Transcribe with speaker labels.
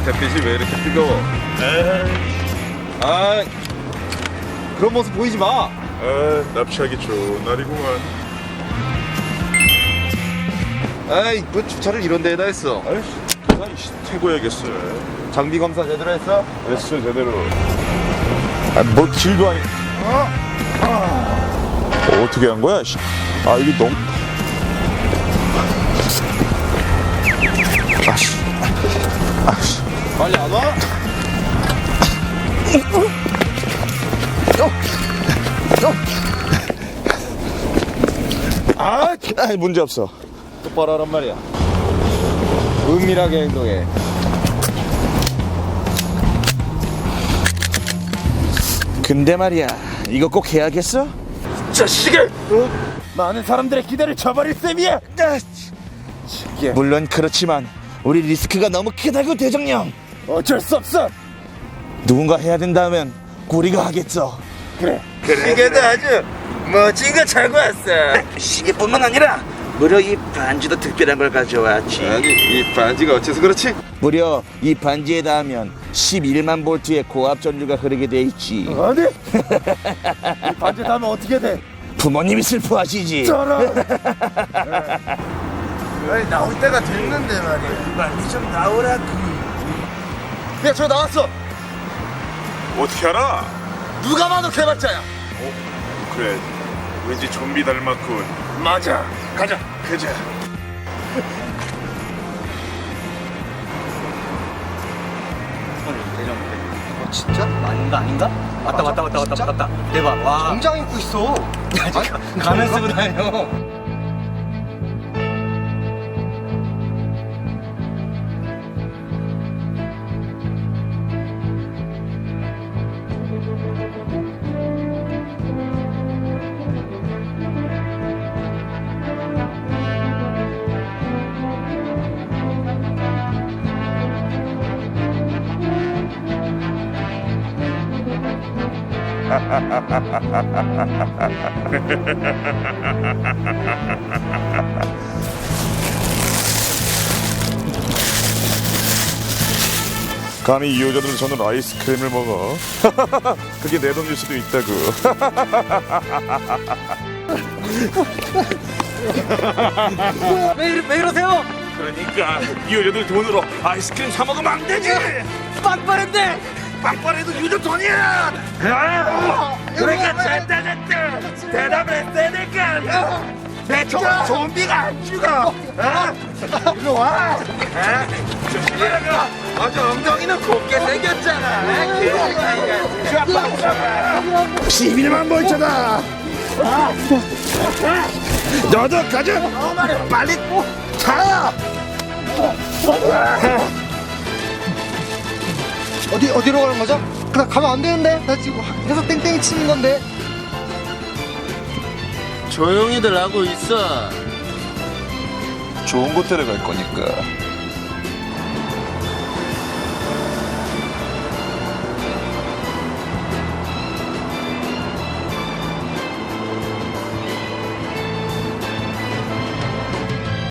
Speaker 1: 햇빛이 왜 이렇게 뜨거워? 아, 그런 모습 보이지 마.
Speaker 2: 납치하기 좋은 날이구만.
Speaker 1: 아이, 뭐 주차를 이런 데에다 했어.
Speaker 2: 아이씨, 태고야겠어.
Speaker 1: 장비 검사 제대로 했어?
Speaker 2: 했어 제대로. 뭐 길도 아니. 어떻게 한 거야? 아 이게 너무. 아씨.
Speaker 1: 빨리 안 와?
Speaker 2: 문제 없어.
Speaker 1: 똑바로 하란 말이야. 은밀하게 행동해.
Speaker 2: 근데 말이야, 이거 꼭 해야겠어?
Speaker 1: 자식을! 많은 사람들의 기대를 저버릴 셈이야!
Speaker 2: 물론 그렇지만 우리 리스크가 너무 크다고 대정령.
Speaker 1: 어쩔 수 없어!
Speaker 2: 누군가 해야 된다면 우리가 하겠어.
Speaker 1: 그래. 시계도 아주 멋진 거 차고 왔어.
Speaker 3: 시계뿐만 아니라 무려 이 반지도 특별한 걸 가져왔지.
Speaker 1: 아니, 이 반지가 어째서 그렇지?
Speaker 2: 무려 이 반지에 닿으면 11만 볼트의 고압 전류가 흐르게 돼 있지.
Speaker 1: 아니? 이 반지 닿으면 어떻게 돼?
Speaker 2: 부모님이 슬퍼하시지.
Speaker 1: 저런! 아니, 나올 때가 됐는데 말이야.
Speaker 3: 빨리 좀 나오라고.
Speaker 1: 야, 저 나왔어!
Speaker 2: 어떻게 알아?
Speaker 1: 누가 봐도 개발자야!
Speaker 2: 그래, 왠지 좀비 닮았군.
Speaker 1: 맞아. 가자.
Speaker 2: 그자.
Speaker 3: 진짜? 아닌가? 맞다. 대박. 와.
Speaker 1: 정장 입고 있어.
Speaker 3: 가면 쓰고 다녀.
Speaker 2: 감히 이 여자들 손으로 아이스크림을 먹어. 그게 내 돈일 수도 있다고.
Speaker 3: 왜 이러세요?
Speaker 2: 그러니까 이 여자들 돈으로 아이스크림 사 먹으면 안 되지.
Speaker 3: 빵빠른데.
Speaker 2: 빵빠레도 유저 돈이야. 그러니까 잘다졌다. 대답을 했어야 될까. 내 좀비가 안 죽어.
Speaker 1: 이리 와. 아주 엉덩이는 곱게 생겼잖아.
Speaker 2: 11만 볼트다. 너도 가자.
Speaker 1: 빨리 자. 어디로 가는 거죠? 나 가면 안 되는데. 나 지금 회사 땡땡이 치는 건데.
Speaker 3: 조용히들 하고 있어.
Speaker 2: 좋은 곳 데려갈 거니까.